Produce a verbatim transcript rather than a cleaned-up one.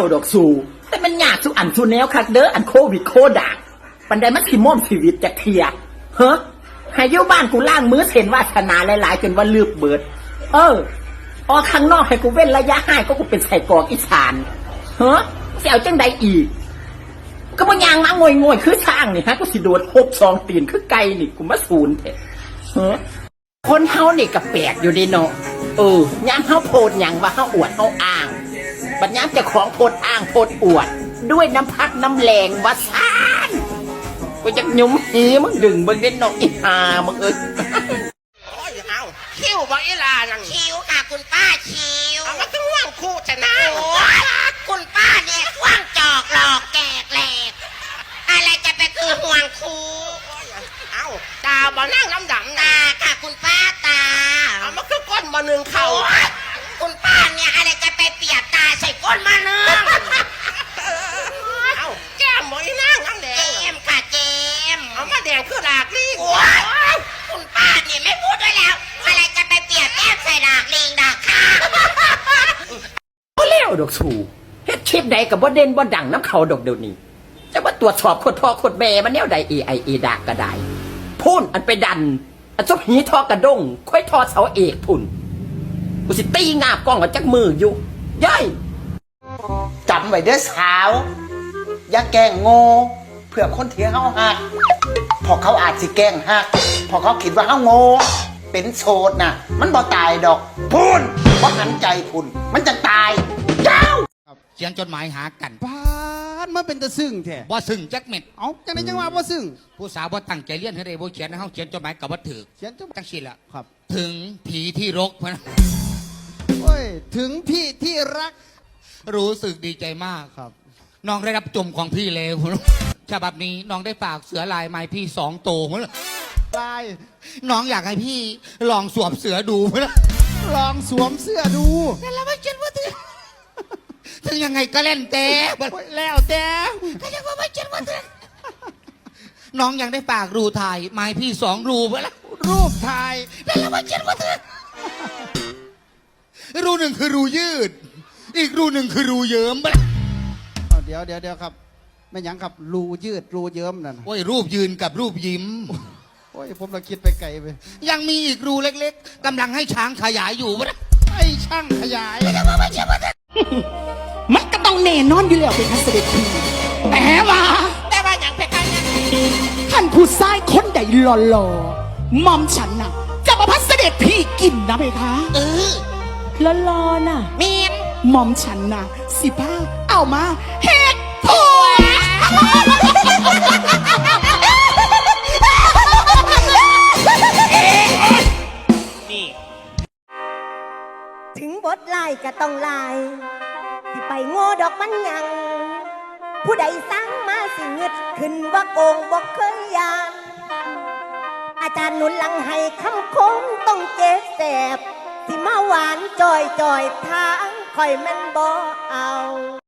ดอกสูแต่มันยากสุอันสุแนวคักเด้ออันโควิดโคด่างปันไดมันสิม่อมชีวิตจากเทียเฮ้ให้เยี่ยวบ้านกูล่างมือเห็นวาสนาหลายๆจนว่าลืบเบิดเออออกข้างนอกให้กูเว้นระยะห่างก็กูเป็นใส่กรอกอีสานเฮ้เสียวจังใดอีกก็มันยางมางวยงวยคือช่างนี่ฮะกูสิโดนหกสองตีนคือไก่นี่กูมาศูนย์เถอะเฮ้คนเฮานี่ก็แปลกอยู่ดีเนาะเออย่ามเฮาโพดหยังว่าเฮาอวดเฮาอ้างบัดย่ามเจ้าของโพดอ้างโพดอวดด้วยน้ำพักน้ำแรงว่าซ่านกูจะยุ่มหีมึงดึงมึงเล่นนกอีหามึงเอ้ยโอ้ยเอาคิวบ่อีลานังคิวค่ะคุณป้าคิวเอามาต้องว่างคู่จะนะโอ้คุณป้าเนี่ยว่างจอกหลอกแกกแหลกอะไรจะไปคือห่วงครูเอาตาบ่นั่งน้ำดำตาค่ะคุณป้าตาเอามาคือก้นมาหนึ่งเข่าคุณป้าเนี่ยอะไรจะไปเปียกตาใส่ก้นมาเนืองเอาแก้มบ่อีนั่งน้ำแดงเจมค่ะเจมเอามาแดงคือหลากลิงคุณป้าเนี่ยไม่พูดด้วยแล้วอะไรจะไปเปียกแก้มใส่ดากลิงดากข้าก็เลี้ยวดอกสูเฮ็ดคลิปใดกับบ่เด่นบ่ดังน้ำเขาดอกเดี๋ยวนี้จะว่าตรวจสอบคนพ่อคนแม่มันแนวใดเอไอเอดากก็ได้พูนอันไปดันอันจกหีทอกระด้งค่อยทอเสาเอกพุ่นกูสิตีงาบกล้องกับจักมืออยู่ย่อยจำไว้เด้อสาวอย่าแกล้งโง่เพื่อคนที่เฮาหักพอเขาอาจสิแกล้งหักพอเขาคิดว่าเฮาโง่เป็นโสดน่ะมันบ่ตายดอกพูนบ่หันใจพูนมันจะตายเจ้าเขียนจดหมายหากันพานมันเป็นตะซึ้งแท้บ่ซึ้งจักเม็ดเอ้าจังได๋จังว่าบ่ซึ้งผู้สาวบ่ตั้งใจเรียนให้ได้บ่เขียนให้เฮาเขียนจดหมายกับบ่ถูกเขียนจดจังซี่ล่ะครับถึงผีที่รกพะนะโอ้ยถึงพี่ที่รักรู้สึกดีใจมากครับน้องได้รับจมของพี่แล้วฉบับนี้น้องได้ฝากเสือลายไม้พี่สองโตมั้งลายน้องอยากให้พี่ลองสวมเสือดูมั้งลองสวมเสื้อดูแต่แล้วไม่เจ็บว่าถึงถึงยังไงก็เล่นแต่แล้วแต่ก็ยังว่าไม่เจ็บว่าถึงน้องยังได้ฝากรูถ่ายไม้พี่สองรูมั้งรูปถ่ายแต่แล้วไม่เจ็บว่าถึงรูหนึ่งคือรูยืดอีกรูหนึ่งคือรูเยิ้มมั้งเดี๋ยวเดี๋ยวเดี๋ยวครับไม่ยังครับรูยืดรูเยิ้มนั่นโอ้ยรูปยืนกับรูปยิ้มโอ้ยผมเราคิดไปไกลไปยังมีอีกรูเล็กๆกำลังให้ช้างขยายอยู่มั้งไอ้ช่างขยายมันก็ต้องแน่นอนอยู่แล้วเป็นทัศเด็จพีแต่ว่าแต่ว่าอย่างเพคะเนี่ยท่านผู้ชายคนใดหล่อๆมอมฉันน่ะจะมาพัสเด็จพี่กินนะเพคะเออแล้วรอน่ะเมียนมอมฉันน่ะสิบ้าเอามาเฮ็ดผัวนี่ถึงบทลายก็ต้องลายที่ไปโง่ดอกมันยังผู้ใดสร้างมาสิเงึดขึ้นว่าโกงบอกเคยยานอาจารย์หนุนหลังให้คำคมต้องเจ็บแสบที่มาหวานจอยจอยทางคอยแม่นบ่เอา